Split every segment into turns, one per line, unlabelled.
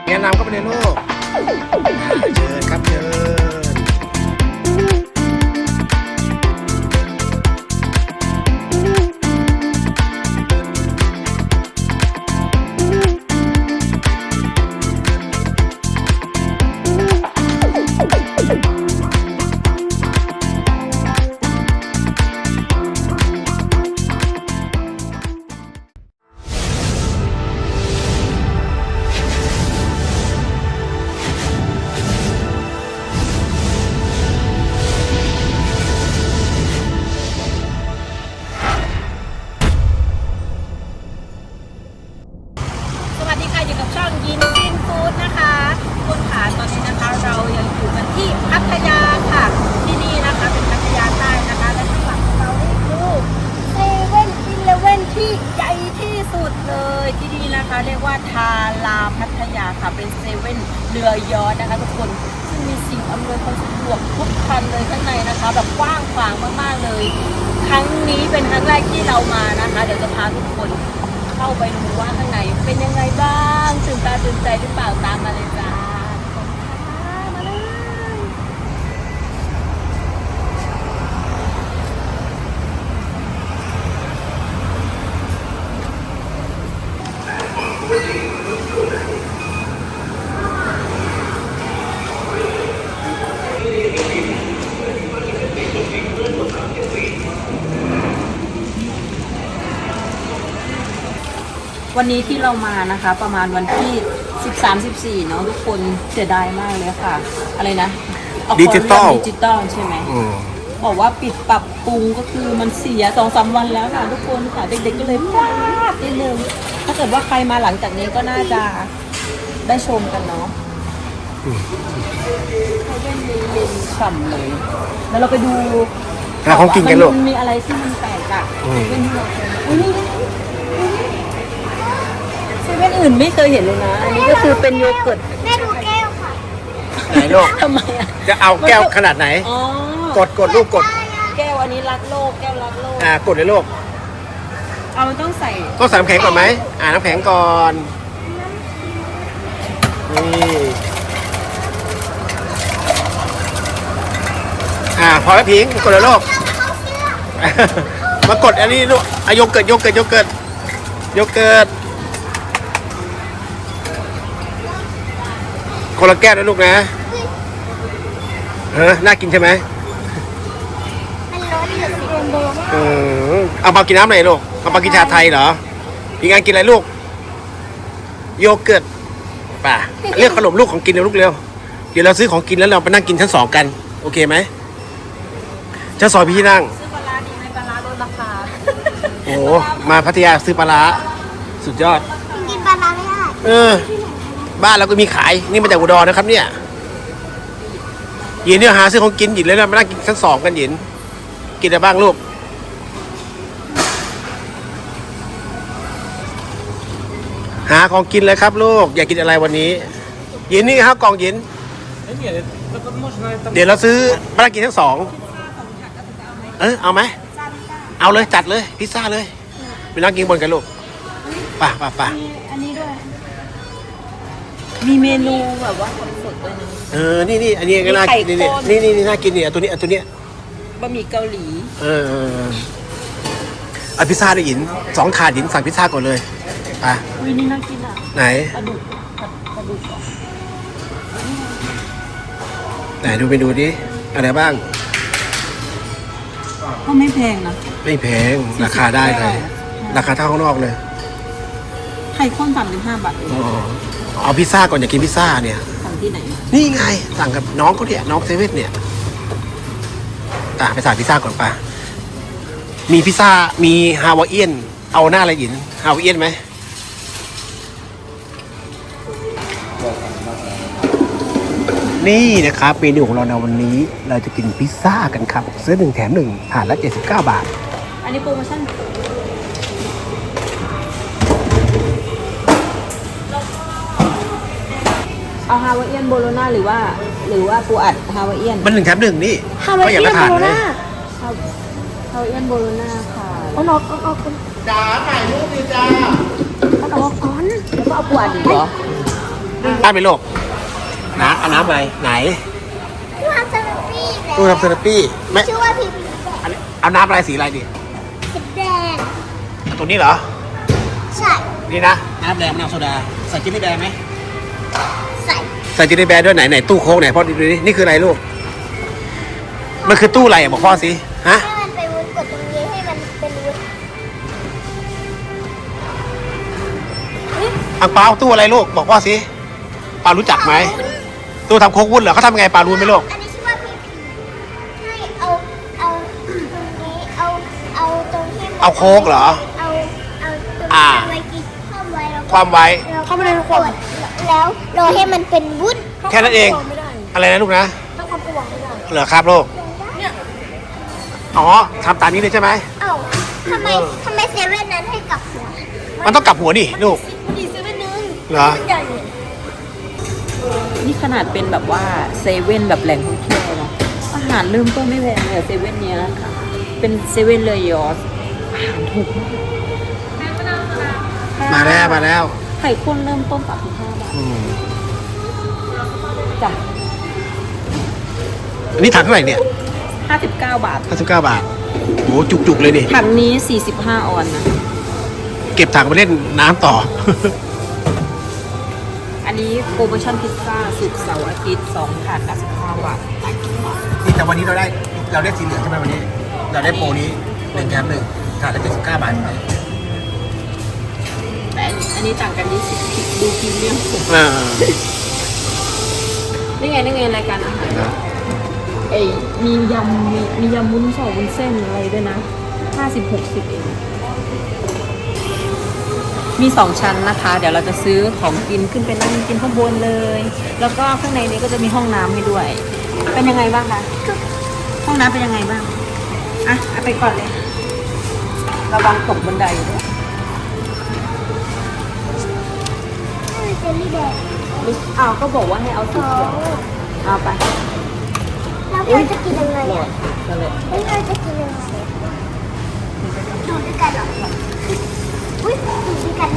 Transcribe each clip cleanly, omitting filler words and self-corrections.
แนะนำเข้าไปเลยลูกเชิญครับเชิญ
อยู่กับช่องยินฟินฟู้ดนะคะคุณขาตอนนี้นะคะเรายังอยู่กันที่พัทยาค่ะที่นี่นะคะเป็นพัทยาใต้นะคะและข้างหลังของเรานี่คือเซเว่นอีเลฟเว่นที่ใหญ่ที่สุดเลยที่นี่นะคะเรียกว่าทาราพัทยาค่ะเป็นเซเว่นเรือยอชต์นะคะทุกคนซึ่งมีสิ่งอำนวยความสะดวกทุกคันเลยข้างในนะคะแบบกว้างขวางมากๆเลยครั้งนี้เป็นครั้งแรกที่เรามานะคะเดี๋ยวจะพาทุกคนเข้าไปดูว่าข้างในเป็นยังไงบ้างตื่นตาตื่นใจหรือเปล่าตามมาเลยจ้ามาเลยวันนี้ที่เรามานะคะประมาณวันที่13-14เนาะทุกคนเสียดายมากเลยค่ะอะไรนะ
ดิจิตอล
ใช่ไหมบอกว่าปิดปรับปรุงก็คือมันเสีย 2-3 วันแล้วค่ะทุกคนค่ะเด็กๆก็เลยพลาดนิดนึงถ้าเกิดว่าใครมาหลังจากนี้ก็น่าจะได้ชมกันเนาะเขาเล่นเย็นฉ่ำเลยแล้วเราไปดู
ของกินกันลูก
มันมีอะไรที่มันแปลกอะเล่นที่เราเคยเซเว่นอื่นไม่เคยเห็นเลยนะอันนี้ก็คือเป็นโยเกิร์ต
แม่ดูแก้วค่ะ
ไหนลูก
ทำไมอ่ะ
จะเอาแก้วขนาดไหนกดลูกกด
แก้วอันนี้รักโลกแก้วรักโลก
กดเลยลูก
เอามันต้องใส่
น้ำแข็งก่อนไหมน้ำแข็งก่อนนี่พอแล้วพิงกดเลยลูกมากดอันนี้ลูกโยเกิร์ตคนละแก้วนะลูกนะน่ากินใช่ไหม
มันร้อนเหลือสีแดง
เอามากินน้ำไหนลูกเอามากินชาไทยเหรอพี่งานกินอะไรลูกโยเกิร์ตป่ะเรียกขนมลูกของกินเร็วลูกเร็วเดี๋ยวเราซื้อของกินแล้วเราไปนั่งกินชั้น 2กันโอเคไหมชั้น 2พี่นั่ง
ซื้อปลาร้าดีไหมปลาร้าลดราคา
โอ้มาพัทยาซื้อปลาร้าสุดยอด
กินปลาร้าไม่ได้
บ้านเราก็มีขายนี่มาจากอุดรนะครับเนี่ยหยินเนี่ยหาซื้อของกินหยินเลยนะมานั่งกินชั้น 2กันหยินกินอะไรบ้างลูกหาของกินเลยครับลูกอยากกินอะไรวันนี้หยินนี่ครับกล่องหยินเดี๋ยวเราซื้อมานั่งกินชั้น 2เอาไหมเอาเลยจัดเลยพิซซ่าเลยไปนั่งกินบนกันลูกป่ะ
อันนี้ด้วยมีเมนูแบบว่าสดๆด้วยนะ
นี่อันนี้ก็น่ากินนี่น่ากินเนี่ยตัวนี้
บะหมี่เกาหลี
เอาพิซซ่าได้หยิน2 ถาดหยินสั่งพิซซ่าก่อนเลยป่ะ
นี่น่ากินอ่ะ
ไหน
ปลาดุก
ไหนดูไปดูดิอะไรบ้าง
ก็ไม่แพงนะ
ไม่แพงราคาได้เลยราคาเท่าข้างนอกเลย
ไข่ข้น35 บาท
เอาพิซซ่าก่อนอยากกินพิซซ่าเนี่ย
สั่งที่ไหน
นี่ไงสั่งกับน้องเขาเนี่ยน้องเซเว่นเนี่ยไปสั่งพิซซ่าก่อนป่ะมีพิซซ่ามีฮาวายเอียนเอาหน้าอะไรหยินฮาวายเอียนไหมนี่นะครับเมนูของเราในวันนี้เราจะกินพิซซ่ากันครับซื้อ1 แถม 1ถาดละ79 บาท
อันนี้โปรโมชั่นเอาฮาวายเอียนโบโลน่าหรือว่าปูอัดฮาวายเอียน
มัน1 แถม 1นี่
ฮาวายเอียนโบโลน่าฮาวายเอียนโบโลน่าค่ะเอา
จ๋าถ่ายรูปดิจ้า
เอาก่อนแล้วก็เอาปูอัดอีกเหรอ
ได้ไหมลูกนะเอาน้ำอะไรไหน
ตู้ทำสลัดปี้
ตู้ทำเซราปี้ไม่
ชื่อว่าพีพี
อันนี้เอาน้ำอะไรสีอะไรดี
สีแดง
เอาตัวนี้เหรอ
ใช่
นี่นะน้ำแดงมะนาวโซดาใส่จินนี่แบร์ไหม
ใส่
ใส่จินนี่แบร์ด้วยไหนตู้โค้กไหนพ่อดูดินี่คืออะไรลูกมันคือตู้อะไรบอกพ่อสิฮะ
ให้มันไปวุ้นกดตรงนี้ให้มันเป็นวุ้น
อังเปาตู้อะไรลูกบอกพ่อสิปารู้จักไหมตู้ทำโค้กวุ้นเหรอเขาทำยังไงปารู้ไหมลูก
อันนี้ชื่อว่าพีพีให้เอาตรงนี้เอาตรงที่มัน
เอาโค้กเหรอ
เอาตรงที่
อ่า
ไว้กินเข้าไว้แล้วก็
ความไว้
เข้าไปในขวดแล้วรอให้มันเป็นวุ้น
แค่นั้นเอง
ไม่ได้
อะไรนะลูกนะ
ถ้าความกระหวังไม่ได้
เหรอครับลูก
เนี่ย
อ๋อทำตามนี้เลยใช่ไหม
เอ้าทำไมเซเว่นนั้นให้กลับหัว
มันต้องกลับหัวดิลูก
มันดีเซเว่นนึง
เหรอ
มันใหญ่
นี่ขนาดเป็นแบบว่าเซเว่นแบบแหล่งท่องเที่ยวเนาะอาหารเริ่มต้นไม่แพงเลยเซเว่นเนี้ยค่ะเป็นเซเว่นเลยยอสอาหารถูกมาก
มาแล้ว
ไข่ข้นเริ่มต้น35 บาท
อืม
จ้ะ
อันนี้ถังเท่าไหร่เนี่ย
59 บาท
59 บาทโหจุกๆเลยดิ
ถังนี้45 ออนนะ
เก็บถังไปเล่นน้ำต่อ
อันนี้โปรโมชั่นพิซซ่าสุกร์เสาร์อาทิตย์2ถาด95 บาท
นี่แต่วันนี้เราได้สีเหลืองใช่ไหมวันนี้ เราได้โปรนี้1 แถม 1ถาดละ79 บาท
แต่อันนี้ต่างกัน20ดูพรีเมียมสุด
เออ
นี่ไงรายการอาหารเอ้ยมียำวุ้นสองวุ้นเส้นอะไรด้วยนะ50-60เองมี2ชั้นนะคะ เดี๋ยวเราจะซื้อของกินขึ้นไปนั่งกินข้างบนเลย แล้วก็ข้างในนี้ก็จะมีห้องน้ำให้ด้วย เป็นยังไงบ้างคะห้องน้ำเป็นยังไงบ้างอ่ะเอาไปก่อนเลยระวังตกบันไดด้วย
เจลลี่แดง
อ้าวก็บอกว่าให้เอาสี
อ๋อ
เขียวเอาไป
แล้วเราจะกินยังไง
หม
อ่ะ
ดกันเลย
แล้วเราจะกินยังไงดูด้วยกันเหรออุ้ยดูด้วยกันนะ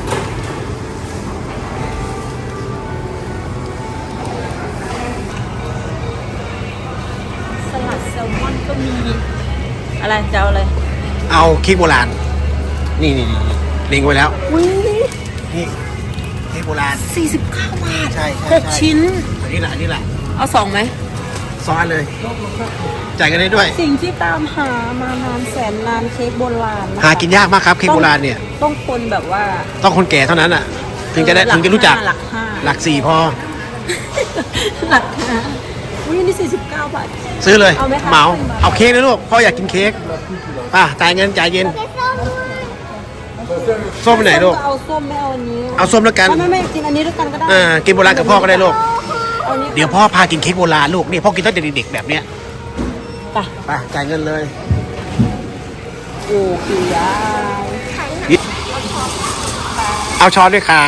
สลัดแซลมอนก็มีอะไรจะเอาอะไร
เอาเค้กโบราณ นี่เล็งไว้แล้ว
อุ้ย
นี่เค้กโบราณ
49 บาท
ใช่
6 ชิ้น
อันนี้แหละ
เอา2ไหม
ซ้อนเลย จ่ายกันได้ด้วย
สิ่งที่ตามหามานานแสนนานเค้กโบราณะคะ
หากินยากมากครับเค้กโบราณเนี่ย
ต้องคนแบบว่า
ต้องคนแก่เท่านั้นอ่ะ ถึงจะได้
หลั
ถึงจะรู้จัก
หลักห้า
หลัก4พอ
หลักห้าอุ้ยนี่49 บาท
ซื้อเลย
เอาไหมคะ
เหมาเอาเค้กนะลูกพ่ออยากกินเค้กป่ะจ่ายเงินจ่ายเย็น
เค้กส้มด้วย
ส้มไปไหนลูก
เอาส้มไม่เอาอันนี้
เอาส้มแล้วกัน
ไม่กินอันนี้ด้วยกันก็ได้
กินโบราณกับพ่อก็ได้ลูก
เอาอันนี้
เดี๋ยวพ่อพากินเค้กโบราณลูกนี่พ่อกินตั้งแต่เด็กๆแบบเนี้ย
ไป
ไปจ่ายเงินเลย
โอ้ปียาย
เอาช้อนด้วยครับ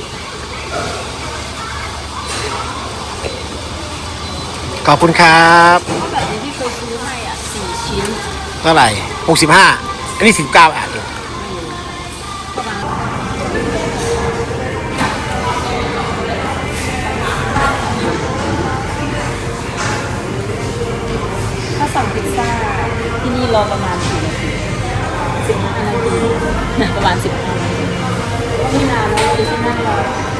ขอบคุณครับ
เพราะแบบนี้ที่เคยซื้อให้อ่ะ4 ชิ้น
เท่าไหร่65อันนี้19อ่ะ
ถ้าสั่งพิซซ่าที่นี่รอประมาณกี่นาที15 นาทีประมาณ15 นาทีก็ไม่นานนะที่นั่งรอ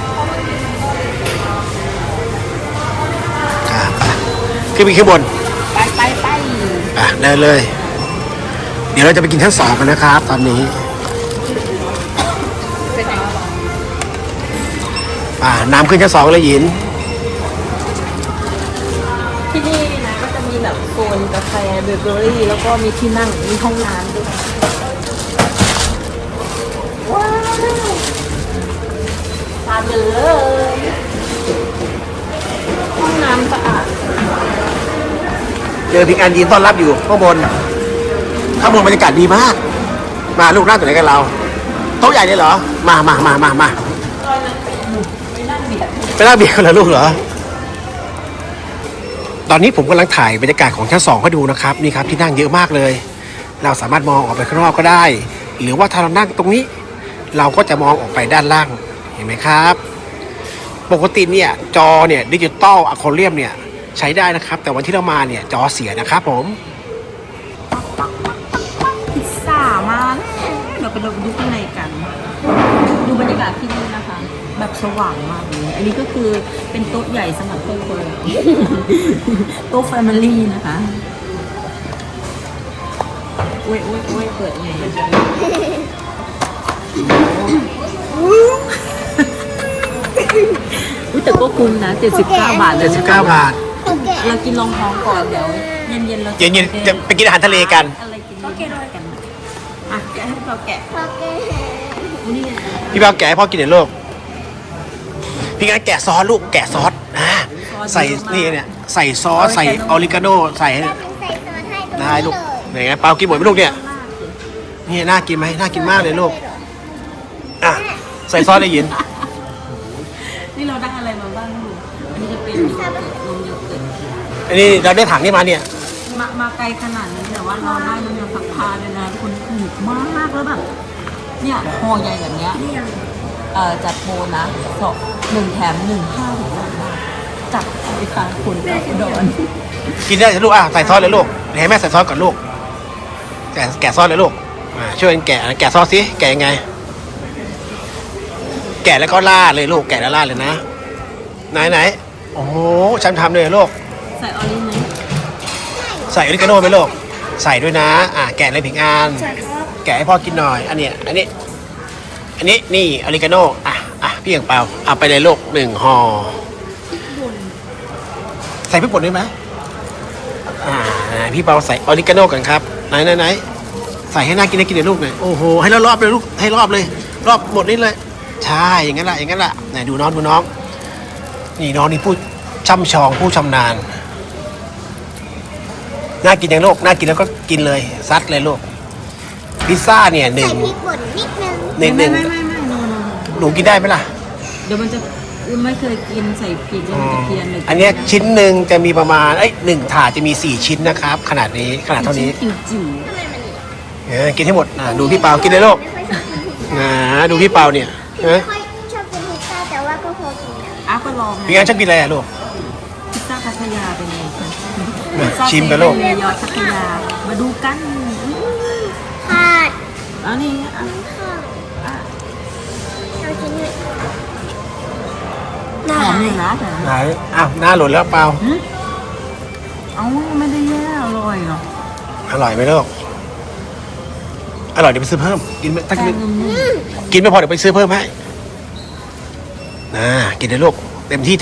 ขึ้นไปข้างบน
ไป
เดินเลย เดี๋ยวเราจะไปกินชั้น2กันนะครับ ตอนนี้
ไปไหนวะ
น้ำขึ้นชั้น2เลยหยิน
ที่นี่นะก็จะมีแบบโซนกาแฟเบเกอรี่แล้วก็มีที่นั่งมีห้องน้ำด้วยว้าวตามกันเลยห้องน้ำสะอาด
เจอพิงอันยืนต้อนรับอยู่ข้างบนบรรยากาศดีมาก มาลูกนั่งตัวไหนกันเราโต๊ะใหญ่เลยเหรอ มา
ตอนนั้นไปนั่งเบียด
ไปนั่งเบียร์กันเหรอลูกเหรอ ตอนนี้ผมกำลังถ่ายบรรยากาศของชั้น2ให้ดูนะครับนี่ครับที่นั่งเยอะมากเลย เราสามารถมองออกไปข้างนอกก็ได้ หรือว่าถ้าเรานั่งตรงนี้ เราก็จะมองออกไปด้านล่างเห็นไหมครับปกติเนี่ยจอเนี่ยดิจิตอลอะคอเรียมเนี่ยใช้ได้นะครับ แต่วันที่เรามาเนี่ยจอเสียนะครับผม
พิซซ่ามาแล้วเราไปดูข้างในกัน ดูบรรยากาศที่นี่นะคะ แบบสว่างมากเลยอันนี้ก็คือเป็นโต๊ะใหญ่สำหรับครอบครัว โต๊ะแฟมิลี่นะคะอุ้ยเปิดไงอุ้ยแต่ก็คุ้มนะ79 บาทเลย
79 บาท
โอเค
เรากินรองท้องก่อนเดี๋ยวเย็นๆเรา
เย็นๆจะไปกินอาหารทะเลกัน
อะไรกินเย็นๆกันอ่ะแกะให้เราแกะ
โอเค
อุ้ยนี่ไง
พี่เปาแกะให้พ่อกินหน่อยลูกพี่งั้นแกะซอสลูกแกะซอสใส่นี่เนี่ยใส่ซอสใส่ออริกาโนใส่ให้
แป๊บนึงใส่ซอสให้ตรง
ได้
นี้
ลูก
เลย
ไหนไงเปากินหมดไหมลูกเนี่ยนี่น่ากินไหมน่ากินมากเลยลูกอ่ะใส่ซอสได้ยิน
นี่เราได้อะไรมาบ้างลูกอันนี้จะเป็นนมโยเกิร์ต
อันนี้เราได้ถังนี่มาเนี่ย
มาไกลขนาดนี้แต่ว่าเราได้น้ำยาซักผ้าเลยนะคนถูกมากแล้วแบบเนี่ยห่อใหญ่แบบเนี้ยจัดโปรนะ1 แถม 1 5 ถึง3 บาทจัดไปค่ะคุณกับอุดร
กินได้ลูกอ่ะใส่ซอสเลยลูกให้แม่ใส่ซอสก่อนลูกแกะซอสเลยลูกช่วยกันแกะซอสสิแกะยังไง แกะแล้วก็ล่าดเลยลูกแกะแล้วล่าดเลยนะไหนโอ้โหฉันทำเลยลูก
ใส่ออริไหม
ใส่ออริกาโน่ไหมลูกใส่ด้วยนะแกะเลยผิงอันแกะให้พ่อกินหน่อยอันนี้นี่ออริกาโน่พี่อย่างเปล่าเอาไปเลยลูก1 ห่อใส่พริกป่นได้ไหมพี่เปาใส่ออริกาโน่กันครับไหนใส่ให้น่ากินได้กินเลยลูกหน่อยโอ้โหให้รอบเลยลูกให้รอบเลยรอบหมดนี่เลยใช่อย่างนั้นแหละไหนดูน้องนี่น้องนี่ผู้ช่ำชองผู้ชำนาญน่ากินอย่างลูกน่ากินแล้วก็กินเลยซัดเลยลูกพิซซ่าเนี่ยหนึ่
ใส่
ง
พริกป่นนิดนึง
ไม่โน
หนูกินได้ไหมล่ะ
เดี๋ยวมันจะไม่เคยกินใส่พริกแล้วมันจะเพี้ยนเลย
อันเนี้ยชิ้นหนึ่งจะมีประมาณ1 ถาดจะมี4 ชิ้นนะครับขนาดเท่านี้
จิ๋ว
กินให้หมดดูพี่เปากินเลยลูก
ไม่ค่อยชอบกินพิซซ่า
ดูพี่เปาเนี่ย
ไม่ค่อยชอบกินพิซซ่าแต่ว่าก็พอกินนะ
ก็ลอง
พี่งั้นชอบกินอะไรลูก
พิซซ่าพัทยาเป็นไงคะ
ชิมกันลูก
เยอดพัทยามาดูกัน
ขาด
แล้วนี่
ข้าวเรากินด้วย
หอมอยู่นะ
ไหนหน้าหล่นแล้วเปา
เอาไม่ได้แย่อร่อยเนาะ
อร่อยไหมลูกอร่อยเดี๋ยวไปซื้อเพิ่มกินไม่ถ้า
แป้
กิ
ง
น
นุ่ม
กินไม่พอเดี๋ยวไปซื้อเพิ่มให้กินเลยลูกเต็มที่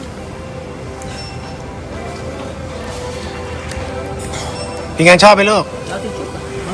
พี่งานชอบไหมลูก
ๆแล้วติดจุก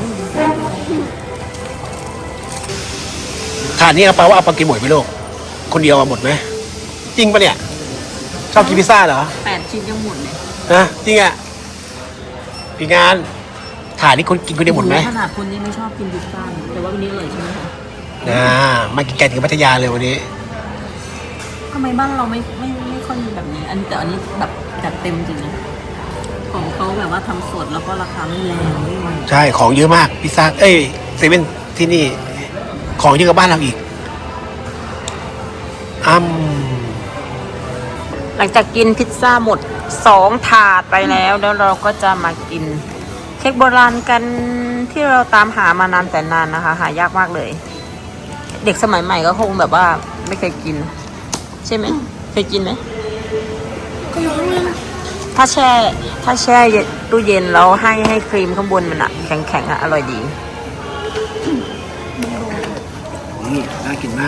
ถาดนี้เอาเปาว่าเอาปากินหมดไหมลูกคนเดียวเอาหมดไหมจริงปะเนี่ยชอบกินพิซซ่าเหรอ
8 ชิ้นยังหมดเลย
จริงอ่ะพี่งานถาดนี้คนกินคนเดียวหมดไหม
ขนาดคนนี้ไม่ชอบกินพิซซ่าแต่ว่าวันนี้อร่อยใช่ไหมคะ
มากินไก่ถึงพัทยาเลยวันนี้
ทำไมบ้านเราไม่ค่อยมีแบบนี้แต่อันนี้แบบจัดเต็มจริงนะของเขาแบบว่าทำสดแล้วก็ราคาไม่แรงด้วย
ใช่ของเยอะมากพิซซ่าเซเว่นที่นี่ของเยอะกว่าบ้านเราอีก
หลังจากกินพิซซ่าหมด2 ถาดไปแล้วเราก็จะมากินเค้กโบราณกันที่เราตามหามานานแต่นานนะคะ หายากมากเลย เด็กสมัยใหม่ก็คงแบบว่าไม่เคยกิน ใช่ไหมเคยกินไหมถ้าแช่ตู้เย็นแล้วให้ครีมข้างบนมันอะแข็งๆอะอร่อยดี
นี่น่ากินมาก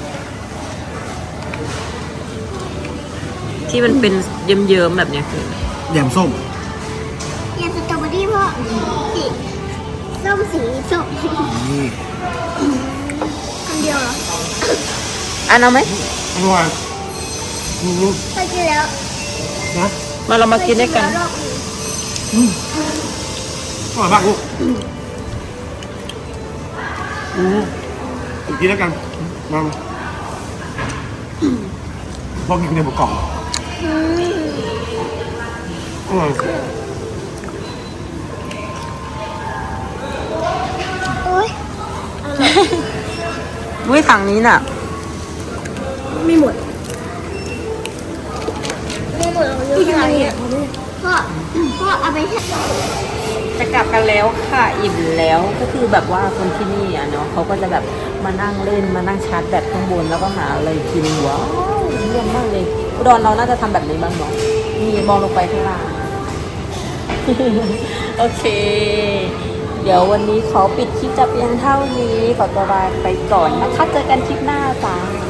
ที่มันเป็นเยิ้มๆแบบเนี้ยคือ
แยมส้ม
ยำสตรอเบอรี่เพราะสีส้มสีส้ม
นี่
คำเดียวเหรอ
อันเอาไหม
อร่อย
เคยกินแล้ว
นะ
มาเรามากินด้วยกัน
เคยแล้วรอบหนึ่ง
อร่อยมากลูกกินแล้วกันมาพอกินในหมูกล่องอร่อย
โอ๊ย
วิถังนี้น่ะ
ไม่หมดไม่ใช่พ่อเอาไปให้
จะกลับกันแล้วค่ะอิ่มแล้วก็คือแบบว่าคนที่นี่อ่ะเนาะเขาก็จะแบบมานั่งเล่นมานั่งชาร์จแบตข้างบนแล้วก็หาอะไรกินว้าวเยี่ยมมากเลยอุดรเราน่าจะทำแบบนี้บ้างเนาะนี่มองลงไปข้างล่าง โอเค เดี๋ยววันนี้ขอปิดคลิปจะเพียงเท่านี้ขอตัวลาไปก่อนนะคะเจอกันคลิปหน้าจ้า